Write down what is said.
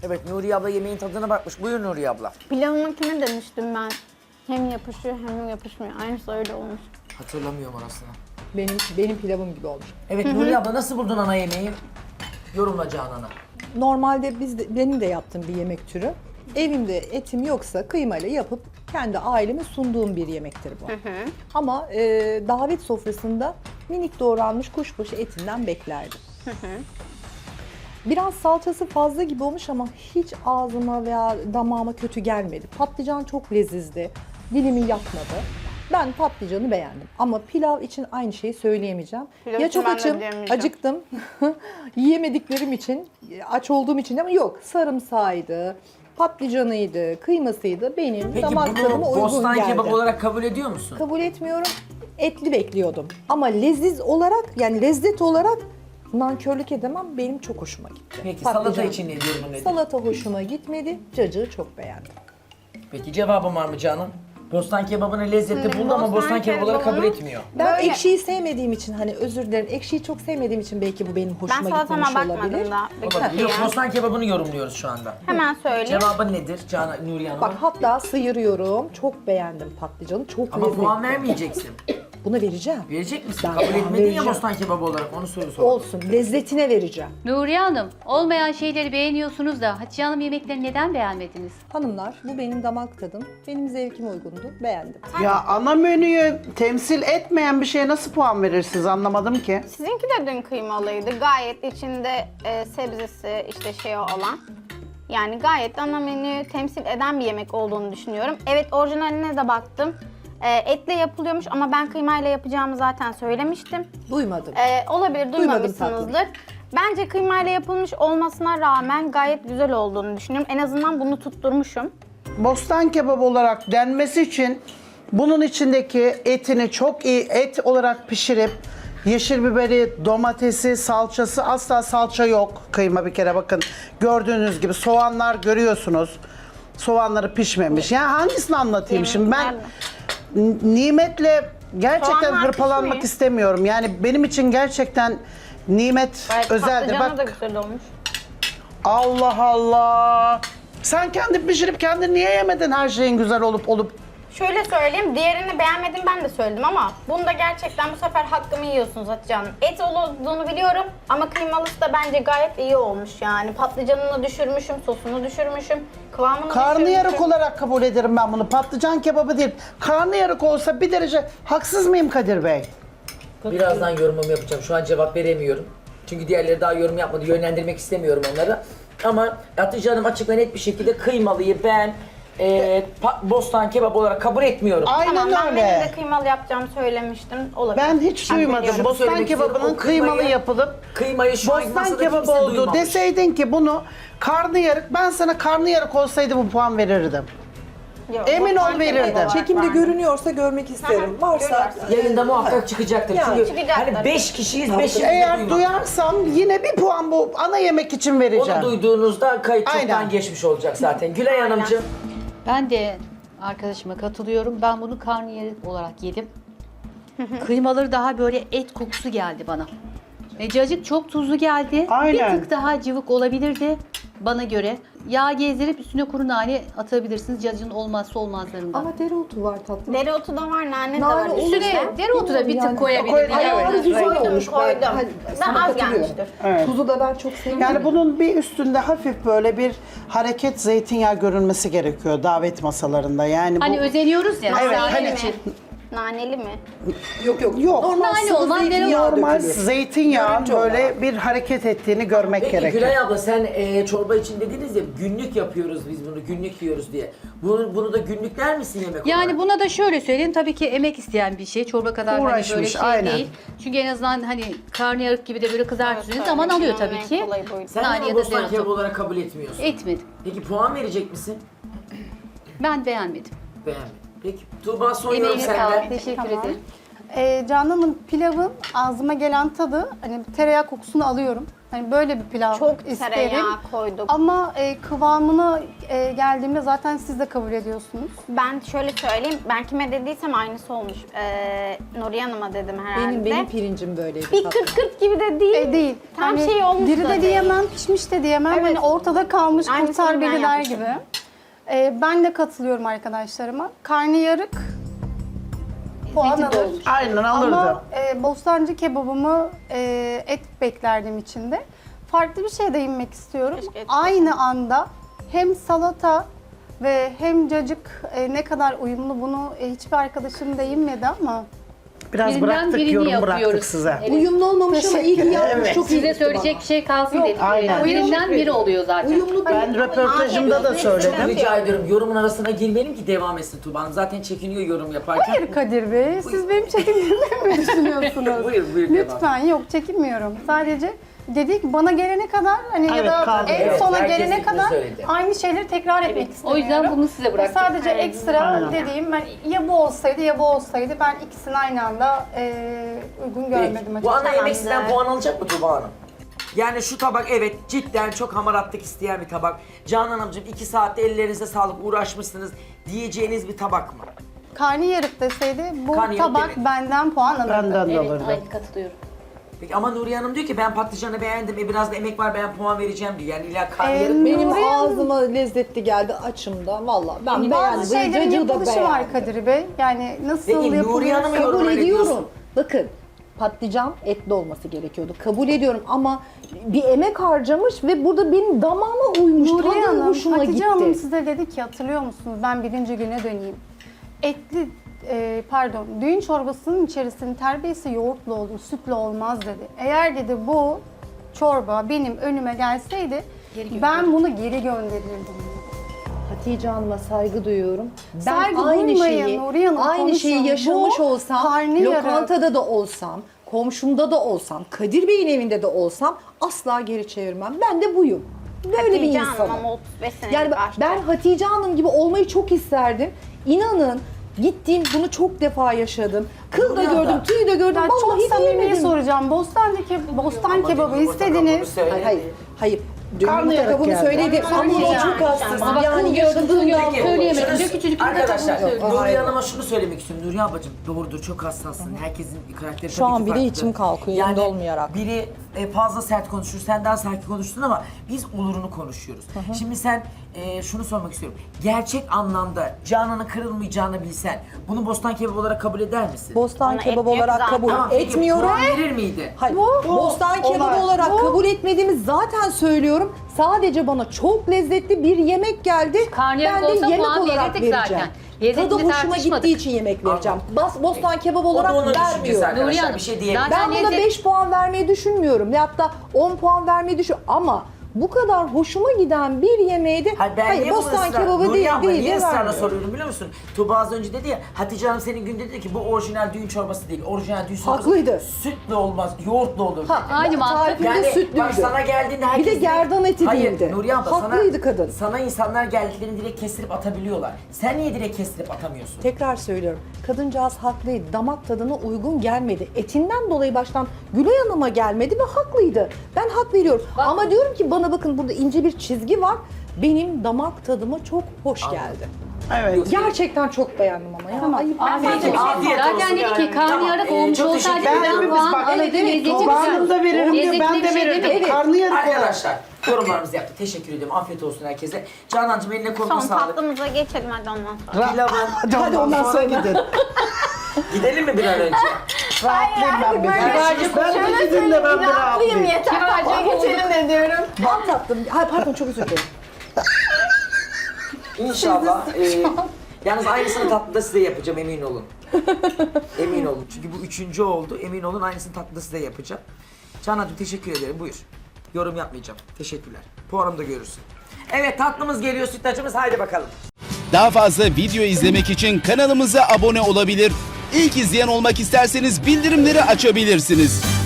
Evet, Nuriye abla yemeğin tadına bakmış. Buyur Nuriye abla. Pilavınkine demiştim ben. Hem yapışıyor hem yapışmıyor. Aynısı öyle olmuş. Hatırlamıyorum orasını. Benim pilavım gibi olmuş. Evet Nuriye abla nasıl buldun ana yemeği? Yorumla Canan'a. Normalde benim de yaptığım bir yemek türü. Evimde etim yoksa kıymayla yapıp kendi aileme sunduğum bir yemektir bu. Ama davet sofrasında minik doğranmış kuşbaşı etinden beklerdim. Biraz salçası fazla gibi olmuş ama hiç ağzıma veya damağıma kötü gelmedi. Patlıcan çok lezizdi. Dilimi yakmadı. Ben patlıcanı beğendim. Ama pilav için aynı şeyi söyleyemeyeceğim. Pilav Ya için çok ben de açım, diyemeyeceğim. acıktım. Yiyemediklerim için, aç olduğum için ama yok. Sarımsağıydı, patlıcanıydı, kıymasıydı. Benim Peki damak tadıma bunu uygun bostan geldi. kebabı olarak kabul ediyor musun? Kabul etmiyorum. Etli bekliyordum. Ama leziz olarak, yani lezzet olarak nankörlük edemem. Benim çok hoşuma gitti. Peki Patlıcan. salata için ne yorumun nedir? Salata hoşuma gitmedi. Cacığı çok beğendim. Peki cevabın var mı Canan? Bostan kebabını lezzetli Şimdi buldu ama bostan bostan kebabı olarak kabul kebabını- etmiyor. Ben Böyle- ekşiyi sevmediğim için hani özür dilerim. Ekşiyi çok sevmediğim için belki bu benim Ben hoşuma salatama gitmemiş olabilir. bakmadım da. Olabilir. Yok, bostan kebabını yorumluyoruz şu anda. Hemen söyleyeyim. Cevabın nedir Canan, Nuriye Hanım? Bak hatta sıyırıyorum. Çok beğendim patlıcanı. Çok Ama lezzetli. puan vermeyeceksin. Buna vereceğim. Verecek misin? Ben Kabul puan etmedin ya vereceğim. bostan kebabı olarak onu sor. Olsun. Lezzetine vereceğim. Nuriye Hanım, olmayan şeyleri beğeniyorsunuz da Hatice Hanım yemeklerini neden beğenmediniz? Hanımlar bu benim damak tadım. Benim zevkime uygundu. Beğendim. Ya ana menüyü temsil etmeyen bir şeye nasıl puan verirsiniz anlamadım ki. Sizinki de dün kıymalıydı. Gayet içinde sebzesi işte şey olan. Yani gayet ana menüyü temsil eden bir yemek olduğunu düşünüyorum. Evet orijinaline de baktım. Etle yapılıyormuş ama ben kıymayla yapacağımı zaten söylemiştim. Duymadım. Olabilir duymamışsınızdır. Bence kıymayla yapılmış olmasına rağmen gayet güzel olduğunu düşünüyorum. En azından bunu tutturmuşum. Bostan kebabı olarak denmesi için bunun içindeki etini çok iyi et olarak pişirip yeşil biberi, domatesi, salçası, asla salça yok. Kıyma bir kere bakın gördüğünüz gibi soğanlar görüyorsunuz. Soğanları pişmemiş. Yani hangisini anlatayım şimdi ben nimetle gerçekten Soğanlar hırpalanmak pişmiyor. istemiyorum. Yani benim için gerçekten nimet Gayet özeldir. patlıcanı da Bak güzel olmuş. Allah Allah. Sen kendin pişirip kendin niye yemedin her şeyin güzel olup Şöyle söyleyeyim, diğerini beğenmedim ben de söyledim ama bunda gerçekten bu sefer hakkımı yiyorsunuz Hatice Hanım. Et olduğunu biliyorum ama kıymalısı da bence gayet iyi olmuş yani. Patlıcanını düşürmüşüm, sosunu düşürmüşüm, kıvamını karnıyarık düşürmüşüm. olarak kabul ederim ben bunu. Patlıcan kebabı değil. Karnıyarık olsa bir derece haksız mıyım Kadir Bey? Birazdan yorumumu yapacağım. Şu an cevap veremiyorum. Çünkü diğerleri daha yorum yapmadı. Yönlendirmek istemiyorum onları. Ama Hatice Hanım açık ve net bir şekilde kıymalıyı ben bostan kebabı olarak kabul etmiyorum. Aynen Tamam ben benim öyle. de kıymalı yapacağımı söylemiştim. Olabilir. Ben hiç duymadım. biliyorum. Bostan Söylemek istiyorum, kebabının o kıymayı- kıymalı yapılıp Kıymayı şu an bostan masada kebabı kimse oldu duymamış. deseydin ki bunu karnıyarık, ben sana karnıyarık olsaydı bu puan verirdim. Yok, Emin bostan ol verirdim. kebabı olarak Çekimde ben- görünüyorsa görmek isterim. Varsa Yayında muhakkak çıkacaktır. Ya, Çünkü çıkacaktır. hani 5 kişiyiz, 5'imiz de Eğer duymadık. duyarsam yine bir puan bu ana yemek için vereceğim. Onu duyduğunuzda kayıt çoktan Aynen. geçmiş olacak zaten. Gülay Hanımcığım. Ben de arkadaşıma katılıyorum. Ben bunu karnıyarık olarak yedim. Kıymaları daha böyle et kokusu geldi bana. Cacık çok tuzlu geldi. Aynen. Bir tık daha cıvık olabilirdi bana göre. Yağ gezdirip üstüne kuru nane atabilirsiniz. Cacığın olmazsa olmazlarından. ama dereotu var tatlım. Dereotu da var, nane de Nane var. olursa- Üstüne dereotu da bir tık Yani- koyabilirdin. Ayarı Yani. güzel Koydum, olmuş. koydum. Hani Ben sana az katılıyorum. gelmiştir. Evet. Tuzu da ben çok sevmiyorum. Yani bunun bir üstünde hafif böyle bir hareket zeytinyağı görünmesi gerekiyor davet masalarında. Yani bu Hani özeniyoruz ya. Evet, sağlık hani- için. Naneli mi? yok. Yok. Normal Nane sıvı olan zeytinyağı normal dökülür. zeytinyağın Görünce böyle olarak. bir hareket ettiğini görmek Peki gerekiyor. Gülay abla sen çorba için dediniz ya günlük yapıyoruz biz bunu, günlük yiyoruz diye. Bunu da günlük der misin yemek Yani olarak? buna da şöyle söyleyeyim, tabii ki emek isteyen bir şey. Çorba kadar hani böyle Uğraşmış, şey aynen. değil. Çünkü en azından hani karnıyarık gibi de böyle kızartıyorsunuz Evet, zaman evet. alıyor Dünyanın tabii en ki. kolayı buydu. Sen Nane de ya da bostan dereotu. kebabı olarak kabul etmiyorsun. Etmedim. Peki puan verecek misin? Ben beğenmedim. Beğenmedim. Peki Tuğba son yorum Emeğine senden. sağlık. Teşekkür Tamam. ederim. Canan'ın pilavın ağzıma gelen tadı, hani tereyağı kokusunu alıyorum. Hani böyle bir pilav Çok isterim. tereyağı koyduk. Ama kıvamına geldiğimde zaten siz de kabul ediyorsunuz. Ben şöyle söyleyeyim, ben kime dediysem aynısı olmuş. Nuriye Hanım'a dedim herhalde. Benim pirincim böyleydi. bir tatlım. 40-40 gibi de değil. Değil. Tam Hani şey olmuş diri da de değil. diyemem, pişmiş de diyemem. Evet. Hani ortada kalmış Aynısını kurtar ben beni der yapmışım. gibi. Ben de katılıyorum arkadaşlarıma. Karnıyarık puan alır. Aynen alırdı. Ama bostancı kebabımı et beklerdim içinde. Farklı bir şey de inmek istiyorum. Keşke et Aynı anda hem salata ve hem cacık ne kadar uyumlu bunu hiçbir arkadaşım da inmedi ama Biraz Birinden bıraktık, birini yorum yapıyoruz. bıraktık size. Evet. Uyumlu olmamış ama iyi ki yapmış. Evet. Çok iyi Size gitti söyleyecek bana. bir şey kalsın dedik. aynen. Birinden biri oluyor zaten. Uyumlu Ben röportajımda da söyledim. Rica ediyorum yorumun arasına girmeyelim ki devam etsin Tuğba Hanım. Zaten çekiniyor yorum yaparken. hayır Kadir Bey, siz benim çekinmemi mi düşünüyorsunuz? Buyur devam. Lütfen yok çekinmiyorum. Sadece dedik bana gelene kadar hani Evet, ya da kaldı. en Evet, sona herkes gelene fikrini kadar söyledi. aynı şeyleri tekrar etmek O istemiyorum. yüzden bunu size bıraktık. Sadece ekstra Aynen. dediğim ben ya bu olsaydı ya bu olsaydı ben ikisini aynı anda uygun görmedim Peki, bu ana açıkçası. yemek sizden puan alacak mı Tuğba Hanım? Yani şu tabak evet cidden çok hamaratlık isteyen bir tabak. Canan Hanımcığım 2 saatte ellerinize sağlık uğraşmışsınız diyeceğiniz bir tabak mı? Karnıyarık deseydi bu Karnıyarık tabak demedim. benden puan alırdı. Benden de Evet, alırdı. aynı katılıyorum. Peki ama Nuriye Hanım diyor ki ben patlıcanı beğendim, biraz da emek var ben puan vereceğim diyor. Yani illa karnıyarık Benim Nuriye Hanım- ağzıma lezzetli geldi açımda. Valla ben beğendim. Bazı şeylerin Cacığı da yapılışı beğendim. var Kadir Bey. Yani nasıl Peki, Nuriye yapılıyor? Hanım'ın Kabul yorumuna ne ediyorum. diyorsun? Bakın patlıcan etli olması gerekiyordu. Kabul ediyorum ama bir emek harcamış ve burada benim damağıma uymuş. Nuriye Tadım Hanım, hoşuma Hatice gitti. Hanım size dedi ki hatırlıyor musunuz? Ben birinci güne döneyim. Düğün çorbasının içerisinin terbiyesi yoğurtlu olur, sütle olmaz dedi. Eğer dedi bu çorba benim önüme gelseydi ben bunu geri gönderirdim. Hatice Hanım'a saygı duyuyorum. Ben Saygı aynı duymayın şeyi, Nuriye Hanım, aynı şeyi konuşun. yaşamış Bu olsam, karnıyarık. lokantada da olsam, komşumda da olsam, Kadir Bey'in evinde de olsam asla geri çevirmem. Ben de buyum. Böyle Hatice bir Hanım insanım. ama 35 senelik Yani aşçı. ben Hatice Hanım gibi olmayı çok isterdim. İnanın gittiğim bunu çok defa yaşadım. Kıl da Nuriye gördüm, Hanım. tüy de gördüm. Ya çok Vallahi samimi diyemedim. soracağım. Bostan kebabı istediniz. Hayır, hayır. Hayır. Karnıyarık Yumurta kabuğunu geldi. söyledim ama Söyleyeceğim. çok hassasım. Ama Yani kıl yaşadığım yok, yok. söyleyemedim. Diyor ki çocuk Arkadaşlar Yok, Nuriye hayır. Hanım'a şunu söylemek istiyorum. Nuriye ablacığım doğrudur çok hassassın. Herkesin karakteri Şu tabii an ki bile farklı. içim kalkıyor, yanında olmayarak. Biri fazla sert konuşur, sen daha sakin konuştun ama biz olurunu konuşuyoruz. Şimdi sen şunu sormak istiyorum. Gerçek anlamda Canan'ın kırılmayacağını bilsen bunu bostan kebabı olarak kabul eder misin? Bostan Ona kebabı et yok olarak zaten. kabul Tamam, peki etmiyorum. puan verir miydi? Hayır, bostan kebabı olay. olarak kabul etmediğimi zaten söylüyorum. Sadece bana çok lezzetli bir yemek geldi. Karnıyarık ben de olsa yemek puan olarak verirdik vereceğim. zaten. Lezzetini Tadı hoşuma tartışmadık. gittiği için yemek vereceğim. Bostan kebabı O da olarak onun düşüncesi vermiyorum. arkadaşlar. Nuriye Hanım, Bir şey diyelim. zaten Ben buna lezzet- 5 puan vermeyi düşünmüyorum. Ya da 10 puan vermeyi düşünüyorum. Ama bu kadar hoşuma giden bir yemeğe de Hayır, niye bostan bunu ısrar- kebabı Nuriye değil abla, değil niye de ısrarla vermiyorum. soruyorum biliyor musun? Tuğba az önce dedi ya, Hatice Hanım senin günde dedi ki bu orijinal düğün çorbası değil. Orijinal düğün çorbası Haklıydı. sütle olmaz, yoğurtla olur dedi. Aynı mantık. Tarifinde Yani sütlüydü. bak sana geldiğinde herkes... Bir de gerdan eti Hayır, değildi. Nuriye abla Haklıydı kadın. Sana insanlar geldiklerini direkt kestirip atabiliyorlar. Sen niye direkt kestirip atamıyorsun? Tekrar söylüyorum. Kadıncağız haklıydı. Damak tadına uygun gelmedi. Etinden dolayı baştan Gülay Hanım'a gelmedi ve haklıydı. Ben hak veriyorum. Ama diyorum ki bana bakın burada ince bir çizgi var. Benim damak tadıma çok hoş geldi. Evet. Gerçekten çok beğendim ama ya. Tamam. Ayıp. Peki, afiyet olsun. Zaten dedi ki karnıyarık Tamam, olmuş çok olsaydı teşekkür ederim. birden Hepimiz puan bak, alırdı. evet, evet, Lezzeti Tuğba Tuğba güzel. Hanım da veririm diyor, Lezzetli ben bir de şey verirdim. demedim. Karnıyarık olarak. Arkadaşlar yorumlarımızı yaptık. Teşekkür ediyorum. Afiyet olsun herkese. Canancığım eline koluna Son sağlık. tatlımıza geçelim hadi ondan sonra. Pilavın. Hadi ondan sonra gidin. Gidelim mi bir an önce? Rahatlayayım ben bir. Görüşürüz. Ben de gidin de ben bir rahatlayayım. yeter. Tatlıyı geçelim de diyorum. Ben tatlım. Hayır pardon çok özür dilerim. İnşallah. Yalnız aynısını tatlıda size yapacağım emin olun. Emin olun. Çünkü bu 3. oldu. Emin olun aynısını tatlıda size yapacağım. Canancığım teşekkür ederim. Buyur. Yorum yapmayacağım. Teşekkürler. Puanımda görürsün. Evet tatlımız geliyor sütlacımız. Haydi bakalım. Daha fazla video izlemek için kanalımıza abone olabilir. İlk izleyen olmak isterseniz bildirimleri açabilirsiniz.